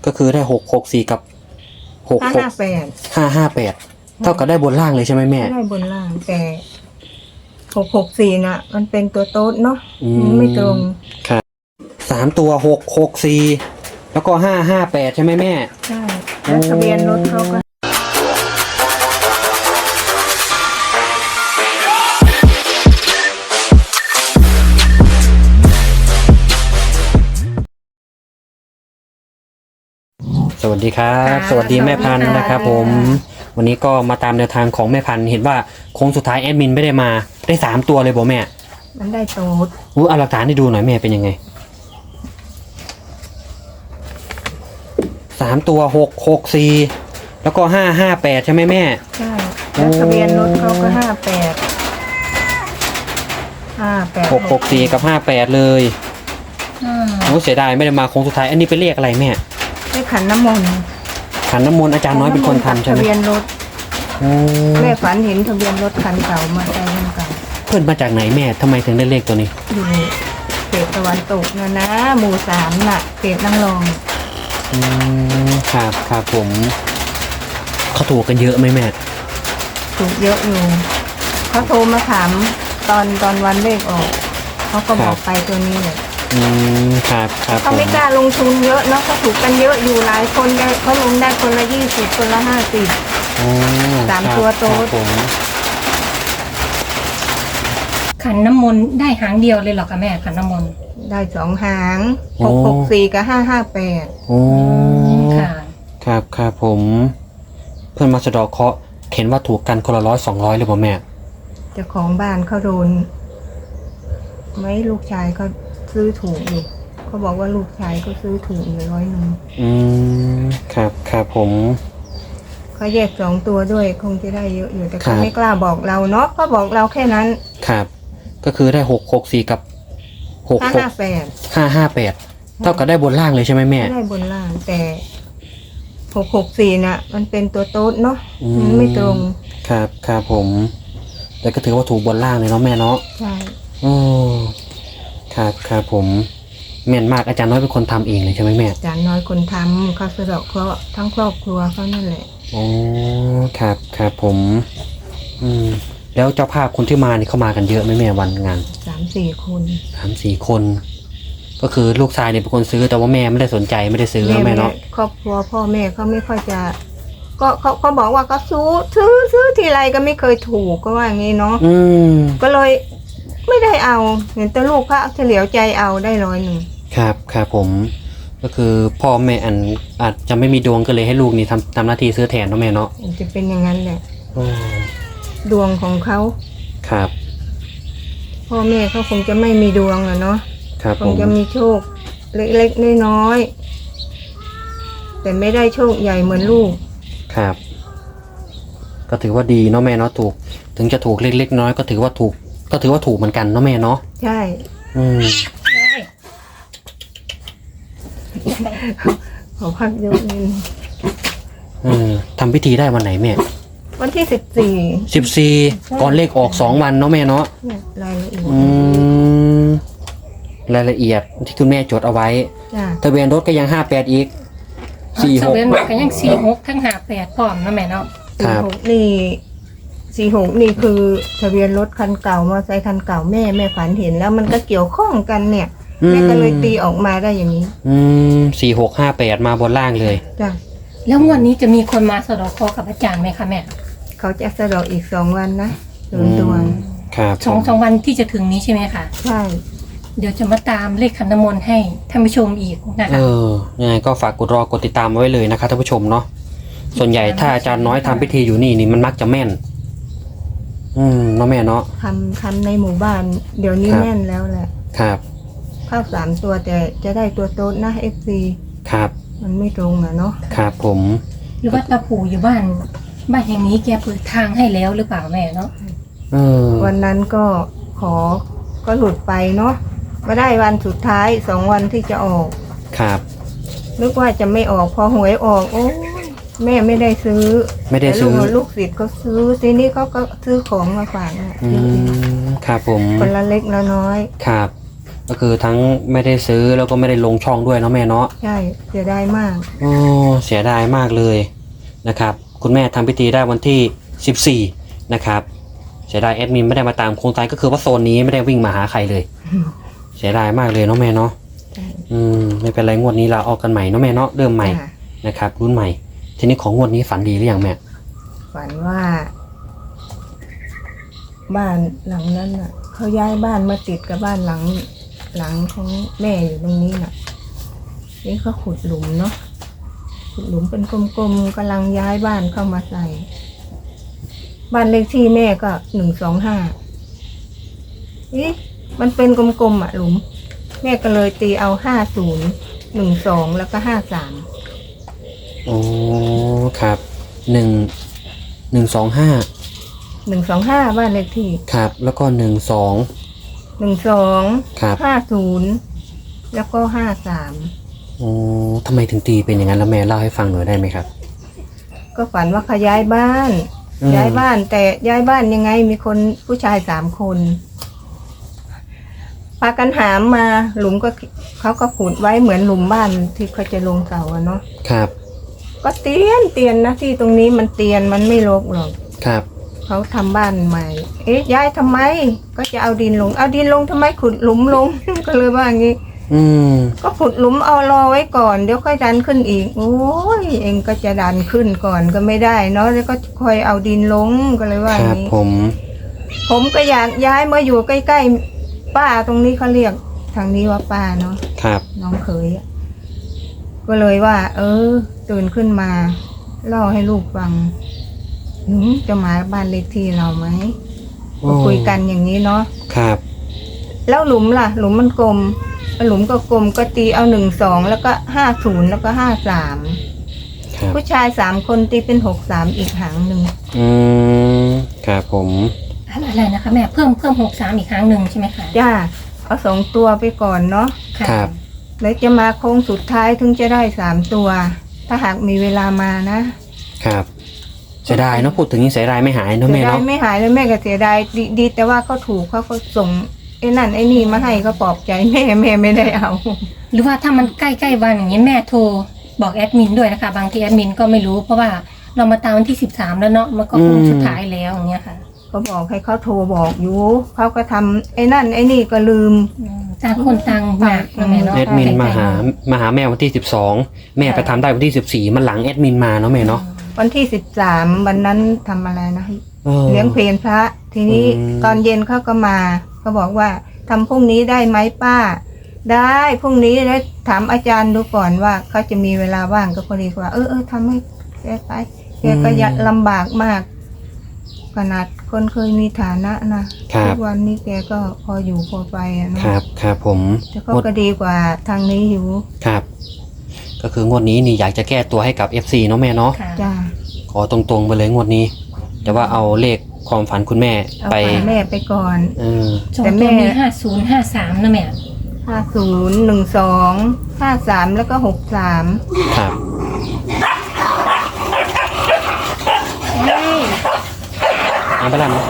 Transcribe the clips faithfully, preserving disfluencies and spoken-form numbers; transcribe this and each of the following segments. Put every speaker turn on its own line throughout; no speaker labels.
ก็คือได้หกหกสี่กับหก
ห้า
หก
ห้าแปด
ห้าห้าแปดเท่ากับได้บนล่างเลยใช่ไหมแม่
ได้บนล่างแต่หกหกสี่น่ะ มันเป็นตัวโต๊ดเนาะ
อืม
มันไม่ตรง
ครับสามตัวหกหกสี่แล้วก็ห้าห้าแปดใช่ไหมแม่
ใช่แล้วทะเบียนรถเขาก็
สวัสดีครับ สวัสดีแม่พันธุ์นะครับผมวันนี้ก็มาตามแนวทางของแม่พันธุ์เห็นว่าโค้งสุดท้ายแอดมินไม่ได้มาได้สามตัวเลยบอกแม่
มันได้โต๊ด
อู้เอาหลักฐานให้ดูหน่อยแม่เป็นยังไงสามตัวหกหกสี่แล้วก็ห้าห้าแปดใช่ไหมแม่
ใช่แล้วทะเบียนรถเขาก็ห้าแปดห้าแปด
หกหกสี่กับห้าแปดเลยโอ้เสียดายไม่ได้มาโค้งสุดท้ายอันนี้เป็นเลขอะไรแม่
ได้ขันน้ำมนต์
ขันน้ำมนต์อาจารย์น้อยเป็นคนทำใช่ไหม
ทะเบียนรถ
โอ้
แม่ฝันเห็นทะเบียนรถคันเก่ามาใจคันเก่า
เพื่อนมาจากไหนแม่ทำไมถึงได้เลขตัวนี้
อยู่เขตตะวันตกนะนะหมู่สามน่ะเขตนั่งรอง
อืมครับครับผมเขาถูกกันเยอะไหมแม่
ถูกเยอะอยู่เขาโทรมาถามตอนตอนวันเลขออกเขาก็บอกไปตัวนี้เลย
อืมครับครับผ
เขา
ม
ไม่กล้าลงทุนเยอะเนาะเขาถูกกันเยอะอยู่หลายคนได้เขาลงได้คนละยี่สิบคนละห้าสิบ
โอ้
สาม
ครับ
ตัวโต๊ด
ครับผม
ขันน้ำมนต์ได้หางเดียวเลยเหรอคะแม่ขันน้ำมนต์
ได้สองหางหกหกสี่กับห้าห้าแปด
โอ้
ค่ะ
ครับครับผม เพื่อนมาสะเดอกเคราะห์เห็นว่าถูกกันคนละร้อยสองร้อยเลยป่ะแม่
เจ้าของบ้านเขาโดนไหม่ลูกชายเขาซื้อถูกอยู่เขาบอกว่าลูกชายเขาซื้อถูกอยู่ร้อยหนึ่ง
อืมครับครับผม
เขาแยกสองตัวด้วยคงจะได้เยอะอยู่แต่
ครั
เขา
บ
ไม่กล้าบอกเราเนาะเขาบอกเราแค่นั้น
ครับ ก็คือได้หกหกสี่กับหก
ห้า
หก
ห้าแปด
ห้าห้าแปดเท่ากับได้บนล่างเลยใช่ไหมแม่
ได้บนล่างแต่หกหกสี่น่ะ มันเป็นตัวโต๊ดเนาะ
อืม
มันไม่ตรง
ครับครับผม แต่ก็ถือว่าถูกบนล่างเลยเนาะแม่เนาะ
ใช่
โอ้ครับครับผมแม่นมากอาจารย์น้อยเป็นคนทำเองเลยใช่ไหมแม่
จานน้อยคนทำเขาสะเดาะเคราะห์ทั้งครอบครัวเขานั่นแหละ
โอ้ครับครับผม อืม แล้วเจ้าภาพคนที่มานี่เข้ามากันเยอะไหมแม่วันงาน
สามสี่คน
สามสี่คน ก็คือลูกชายเนี่ยเป็นคนซื้อแต่ว่าแม่ไม่ได้สนใจไม่ได้ซื้อ
แม่
แม่เนาะ
ครอบครัวพ่อแม่เขาไม่ค่อยจะ ก็เขาเขาบอกว่าก็ซื้อซื้อซื้อทีไรก็ไม่เคยถูกก็ว่าอย่างนี้เนาะ
อืม
ก็เลยไม่ได้เอาเห็นแต่ลูกพระเฉลียวใจเอาได้ร้อยหนึ่ง
ครับครับผม ก็คือพ่อแม่อันอาจจะไม่มีดวงก็เลยให้ลูกนี่ทำทำหน้าที่ซื้อแทนเนาะแม่เนาะ
มันจะเป็นอย่างนั้นแหละ
โอ้
ดวงของเขา
ครับ
พ่อแม่เขาคงจะไม่มีดวงอะเนาะ
ครับ
ค
ผ
ง
ม
จะมีโชค เล็กๆน้อยๆแต่ไม่ได้โชคใหญ่เหมือนลูก
ครับ ก็ถือว่าดีเนาะแม่เนาะถูก ถึงจะถูกเล็กๆน้อยก็ถือว่าถูก ก็ถือว่าถูกเหมือนกันเนาะแม่เนาะ
ใช่
อืม
ขอพักยกนิน
เออทำพิธีได้วันไหนแม่
วันที่สิบสี่
สิบสี่ก่อนเลขออกสองวันเนาะแม่เนาะ
เนี่ยรายละเอียด
อืมรายละเอียดที่คุณแม่จดเอาไว้
จ้ะ
ทะเบียนรถก็ยังห้าแปดอีกสี่ห
ทะ
ก
เบียนรถก็ยังสี่หกทั้งหาแปดพร้อมนะแม่เนาะ
ครั
สี่
บ
หกนี่สี่หกนี่คือทะเบียนรถคันเก่ามอเตอร์ไซค์คันเก่าแม่แม่ฝันเห็นแล้วมันก็เกี่ยวข้องกันเนี่ยแม่ก็เลยตีออกมาได้อย่างนี้
อืมสี่หกห้าแปดมาบนล่างเลย
จ้ะ
แล้วงวดนี้จะมีคนมาสะเดอกคอกับอาจารย์ไหมคะแม่
เขาจะสะเดอกอีกสองวันนะโดนดวง
ครับ
สองสองวันที่จะถึงนี้ใช่ไหมคะ
ใช่
เดี๋ยวจะมาตามเลขขันน้ำมนต์ให้ท่านผู้ชมอีกนะ
เอ
คะ
อยังไงก็ฝากกดรอกดติดตามไว้เลยนะครับท่านผู้ชมเนาะส่วนใหญ่ถ้าอาจารย์น้อยทำพิธีอยู่นี่นี่มันมักจะแม่น อืมเนาะแม่เนาะ
ทำทำในหมู่บ้าน เดี๋ยวนี้
ครับ
แน่นแล้วแหละ
ครับ
เข้าสามตัวแต่จะได้ตัวโต๊ดนะเอฟซี
ครับ
มันไม่ตรงอะเนาะ
ครับผม
หรือว่าตาปู่อยู่บ้านบ้านแห่งนี้แกเปิดทางให้แล้วหรือเปล่าแม่เนาะ
เออ
วันนั้นก็ขอก็หลุดไปเนาะมาได้วันสุดท้ายสองวันที่จะออก
ครับ
นึกว่าจะไม่ออกพอหวยออกโอ้ยแม่ไม่ได้ซื้อ
ไม่ได้ซื้อ
แต่ลูกลูกศิษย์ก็ซื้อทีนี้เขาก็ซื้อของมาฝากนะ
อืมครับผม
คนละเล็กละน้อย
ครับก็คือทั้งไม่ได้ซื้อแล้วก็ไม่ได้ลงช่องด้วยเนาะแม่เนาะ
ใช่เสียดายมาก
โอ้เสียดายมากเลยนะครับคุณแม่ทำพิธีได้วันที่สิบสี่นะครับเสียดายแอดมินไม่ได้มาตามโครงการก็คือว่าโซนนี้ไม่ได้วิ่งมาหาใครเลย เสียดายมากเลยเนาะแม่เนาะ
ใช่
อืมไม่เป็นไรงวดนี้เราออกกันใหม่เนาะแม่เนาะเริ่มใหม่
จ้ะ
นะครับรุ่นใหม่ ทีนี้ของงวดนี้ฝันดีหรือยังแม่
ฝันว่า บ้านหลังนั้นน่ะเขาย้ายบ้านมาติดกับบ้านหลัง หลังของแม่อยู่ตรงนี้น่ะ นี่เขาขุดหลุมเนาะขุดหลุมเป็นกลมๆกำลังย้ายบ้านเข้ามาใส่ บ้านเลขที่แม่ก็หนึ่งสองห้าอีมันเป็นกลมๆอ่ะหลุม แม่ก็เลยตีเอาห้าศูนย์หนึ่งสองแล้วก็ห้าสาม
โอ้ครับหนึ่งหนึ่งสองห้า
หนึ่งสองห้าบ้านเลขที่
ครับแล้วก็หนึ่งสอง
หนึ่งสอง
ครับ
ห้าศูนย์แล้วก็ห้าสาม
โอ้ทำไมถึงตีเป็นอย่างนั้นแล้วแม่เล่าให้ฟังหน่อยได้ไหมครับ
ก็ฝันว่าเขาย้ายบ้าน
อืม
ย้ายบ้านแต่ย้ายบ้านยังไงมีคนผู้ชายสามคนพากันหามมาหลุมก็เขาก็ขุดไว้เหมือนหลุมบ้านที่เขาจะลงเสาอะเนาะ
ครับ
ก็เตียนเตียนนะที่ตรงนี้มันเตียนมันไม่รกหรอก
ครับ
เขาทำบ้านใหม่ เอ๊ะย้ายทำไม ก็จะเอาดินลง เอาดินลงทำไมขุดหลุมลง ก็เลยว่าอย่างนี้
อืม
ก็ขุดหลุมเอารอไว้ก่อนเดี๋ยวค่อยดันขึ้นอีกโอ้ยเองก็จะดันขึ้นก่อนก็ไม่ได้เนาะแล้วก็ค่อยเอาดินลงก็เลยว่า
ค
อย่า
รับ
งนี้
ผม
ผมก็อยากย้ายมาอยู่ใกล้ๆป้าตรงนี้เขาเรียกทางนี้ว่าป้าเนาะ
ครับ
น้องเขยอะก็เลยว่า เออตื่นขึ้นมาเล่าให้ลูกฟังหนูจะมาบ้านเลขที่เราไหมก็คุยกันอย่างนี้เนาะ
ครับ
แล้วหลุมล่ะ หลุมมันกลมหลุมก็กลมก็ตีเอาหนึ่งสองแล้วก็ห้าศูนย์แล้วก็ห้าสาม
ครับ
ผู้ชายสามคนตีเป็นหกสามอีกหางหนึ่ง
อืมครับผม
อะไรนะคะแม่เพิ่มเพิ่มหกสามอีกครั้งหนึ่งใช่ไหมคะ
จ้าเอาสองตัวไปก่อนเนาะ
ค่ะ
ครับ
แล้วจะมาโค้งสุดท้ายถึงจะได้สามตัว ถ้าหากมีเวลามานะครับ
เสียดายเนาะพูดถึงนี้เสียดายไม่หายเนาะ
เสี
แม่
ยดาย
เนาะ
ไม่หายแล้วแม่ก็เสียดายดีดีแต่ว่าเขาถูกเขาก็ส่งไอ้นั่นไอ้นี่มาให้ก็ปลอบใจแม่แม่ไม่ได้เอา
หรือว่าถ้ามันใกล้ๆวันอย่างนี้แม่โทรบอกแอดมินด้วยนะคะ บางทีแอดมินก็ไม่รู้เพราะว่าเรามาตามวันที่สิบสามแล้วเนาะมันก็คงสุดท้ายแล้วอย่างเงี้ยค่ะ
เขาบอกให้เขาโทรบอกอยู่เขาก็ทำไอ้นั่นไอ้นี่ก็ลืม
อืมต่างคนต่างมากนะแม่เนาะ
แอดมินมาหามาหาแม่วันที่สิบสองแม่ไปทำได้วันที่สิบสี่มันหลังแอดมินมาเนาะแม่เนาะ
วันที่สิบสามวันนั้นทำอะไรนะ
ออ
เลี้ยงเพลนพระ ทีนี้
อืม
ตอนเย็นเขาก็มาเขาบอกว่าทำพรุ่งนี้ได้ไหมป้า ได้พรุ่งนี้แล้วถามอาจารย์ดูก่อนว่าเขาจะมีเวลาว่างก็พอดีกว่า เออเออทำให้แกไปแกก็ยากลำบากมาก ขนาดคนเคยมีฐานะนะครับ ทุกวันนี้แกก็พออยู่พอไปอะเนาะ
ครับครับผม
แต่ก็
งวด
ก็ดีกว่าทางนี้อยู่
ครับ ก็คืองวดนี้นี่อยากจะแก้ตัวให้กับ เอฟ ซี เนาะแม่เนาะ
ค่ะ
จ้า
ขอตรงๆไปเลยงวดนี้ แต่ว่าเอาเลขความฝันคุณแม่
เอา
ไป
ไปแม่ไปก่อน
เออ
สอง
แต่
ตั
แม่
วมีห้าศูนย์ห้าสามนะแม่
ห้าศูนย์หนึ่งสองห้าสามแล้วก็หกสาม
ครับเอาไปละเนาะ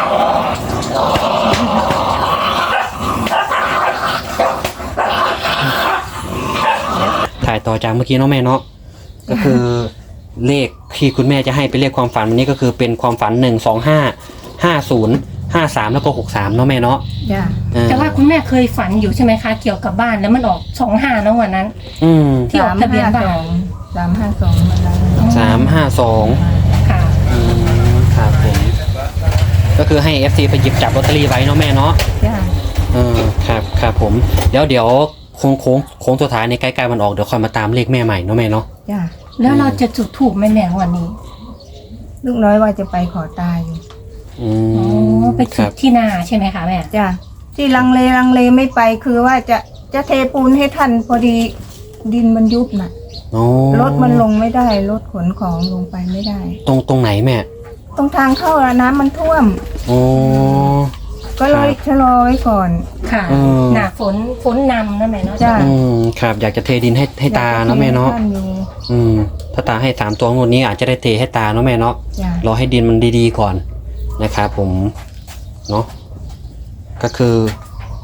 ถ่ายต่อจากเมื่อกี้เนาะแม่เนาะก็คือเลขที่คุณแม่จะให้เป็นเลขความฝันวันนี้ก็คือเป็นความฝันหนึ่งสองห้าห้าศูนย์ห้าสามแล้วก็หกสามเนาะแม่เนาะ
จ้า
เออ
แต่ว่าคุณแม่เคยฝันอยู่ใช่ไหมคะ เกี่ยวกับบ้านแล้วมันออกสองห้าเนาะวันนั้น
อืม
ที่ออกทะเบียนบ้าน
สามห้าสองมันนั้น
สามห้าสอง
ค่ะ
อืมครับผมก็คือให้ เอฟ ซี ไปหยิบจับลอตเตอรี่ไว้เนาะแม่เนาะ
จ้า
เออครับครับผมเดี๋ยวเดี๋ยวโค้งโค้งโค้งสุดท้ายในใกล้ๆวันออกเดี๋ยวค่อยมาตามเลขแม่ใหม่เนาะแม่เนาะ
จ้า
แล้วเราจะจุดถูกไหมแม่วันนี้
ลูกน้อยว่าจะไปขอตายอยู่
อื
อ๋
ม
อไป
ค
จุ
รั
ด
บ
ที่นาใช่ไหมคะแม่
จ้าที่ลังเลลังเลไม่ไปคือว่าจะจะเทปูนให้ท่านพอดีดินมันยุบน่ะ
โอ้
รถมันลงไม่ได้รถขนของลงไปไม่ได้
ตรงตรงไหนแม่
ตรงทางเข้าอะน้ำมันท่วม
โอ้
ก็เลยชะลอไว้ก่อน
ค่ะ
อืม
หนาฝนฝนนำนะแม่เนาะ
จ้ะ
อืมครับอยากจะเทดินให้ให้ตาเนาะแม่เนาะ
อยกจทให้ท่อยู่
อืมถ้าตาให้สามตัวงวดนี้อาจจะได้เทให้ตาเนาะแม่เนาะ
จ้าร
อให้ดินมันดีๆก่อนนะครับผมเนาะก็คือ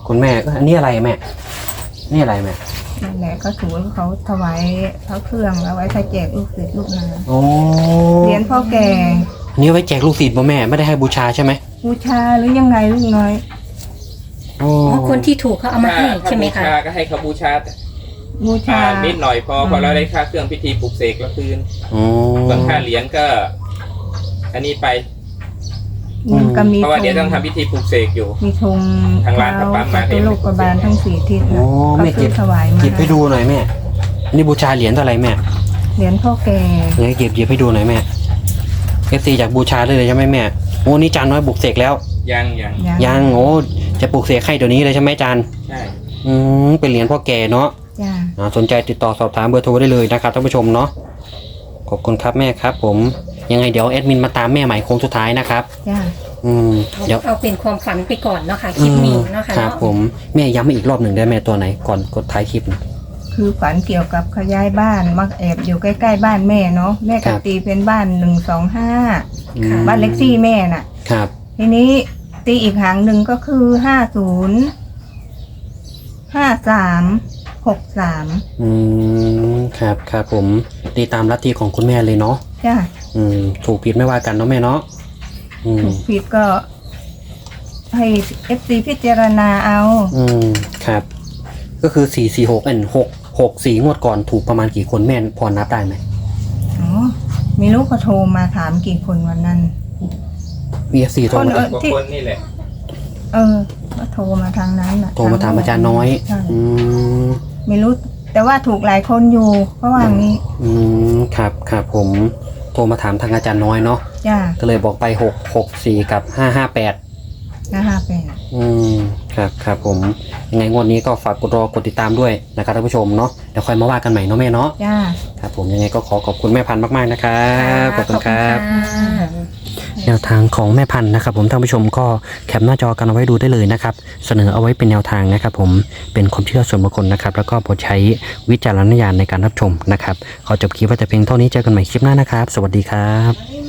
คุณแม่ก็อันนี้อะไรแม่นี่อะไรแม่
นั่นแหละก็ถือว่าเขาถวายพระเครื่องเอาไว้ใช้แจกลูกศิษย์ลูกหา
โอ้
เหรียญพ่อแก่
อันนี้เอาไว้แจกลูกศิษย์ป่ะแม่ไม่ได้ให้บูชาใช่ไหม
บูชาหรือยังไงลูกน้อย
โอ้
เพราะคนที่ถูกเขาเอามาให้ใช่ไหม
ถ้า
คะ
บูชาก็ให้เขาบูชา
บูชา
อ่านิดหน่อยพอพอเราได้ค่าเครื่องพิธีปลุกเสกแล้วคืน
โอ้
ส่วนค่าเหรียญก็ อันนี้ไป
มันก็มี
เพราะว่า
ธ
เดี๋ยวต้อง
ง
ทำพิธีปลุกเสกอยู่
มีธง
ทางร้านเขาปั๊มมาให้
ตัวโลกบาลทั้งสี่ทิศ
โอ้
นะ
แม่
เขา
เก็บ
ถวายมา
หยิบให้ดูหน่อยแม่อันนี้บูชาเหรียญเท่าไหร่แม่
เหรียญพ่อแก่
ไหนเก็บหยิบให้ดูหน่อยแม่เอฟซีจากบูชาเลยเลยใช่ไหมแม่โอ้นี่จานน้อยบุกเสกแล้ว
ยังยัง
ยังโอ้จะปลูกเสกให้เดี๋ยวนี้เลยใช่ไหมจาน
ใช่
อืมเป็นเหรียญพ่อแก่เนาะ
จ้า
อ่าสนใจติดต่อสอบถามเบอร์โทรได้เลยนะครับท่านผู้ชมเนาะขอบคุณครับแม่ครับ ผมยังไงเดี๋ยวแอดมินมาตามแม่ใหม่โค้งสุดท้ายนะครับ
จ้า
อืม
เอา
เดี๋ยว
เอาเป็นความฝันไปก่อนเนาะค่ะคลิปนี้เนาะค่ะ
ครับ
เนาะ
ผมแม่ย้ำมาอีกรอบหนึ่งได้แม่ตัวไหนก่อนกดท้ายคลิปนะ
คือฝันเกี่ยวกับขยายบ้านมักแอบอยู่ใกล้ๆบ้านแม่เนาะแม่
ครั
กับ ตีเป็นบ้านหนึ่งสองห้า
อืม
บ้านเล็กที่แม่น่ะ
ครับ
ทีนี้ตีอีกหางหนึ่งก็คือห้าศูนย์ห้าสามหกสาม
อืมครับครับผมตีตามลัทธิของคุณแม่เลยเนาะ
จ้า
อืมถูกผิดไม่ว่ากันเนาะแม่เนาะอืม
ถูกผิดก็ให้เอฟซีพิจารณาเอา
อืมครับ ก็คือสี่สี่หกอันหกหกสี่งวดก่อนถูกประมาณกี่คนแม่พอนับได้ไหม
อ๋อมีลูกก็โทรมาถามกี่คนวันนั้น
มีเอฟซีโทร
คน
มา
เออ
กว่าคนนี่แหละ
เออก็โทรมาทางนั้นน่ะ
โทรมาถามอาจารย์น้อย
ใช่
อืม
ไม่รู้ แต่ว่าถูกหลายคนอยู่เพราะว่างี้
อืมครับครับผมโทรมาถามทางอาจารย์น้อยเนาะ
จ้า
ก็เลยบอกไปหกหกสี่กับห้าห้าแปด
นะฮะเป็น
อืมครับครับผมยังไงงวดนี้ก็ฝากกดรอกดติดตามด้วยนะครับท่านผู้ชมเนาะเดี๋ยวค่อยมาว่ากันใหม่เนาะแม่เนาะ
จ้า
ครับผมยังไงก็ขอขอบคุณแม่พันธุ์มากๆนะครับขอบคุณครับ
ค่ะ
แนวทางของแม่พันธุ์นะครับผมท่านผู้ชมก็แคปหน้าจอกันเอาไว้ดูได้เลยนะครับเสนอเอาไว้เป็นแนวทางนะครับผมเป็นความเชื่อส่วนบุคคลนะครับแล้วก็โปรดใช้วิจารณญาณในการรับชมนะครับขอจบคลิปไว้แต่เพียงเท่านี้เจอกันใหม่คลิปหน้านะครับ สวัสดีครับ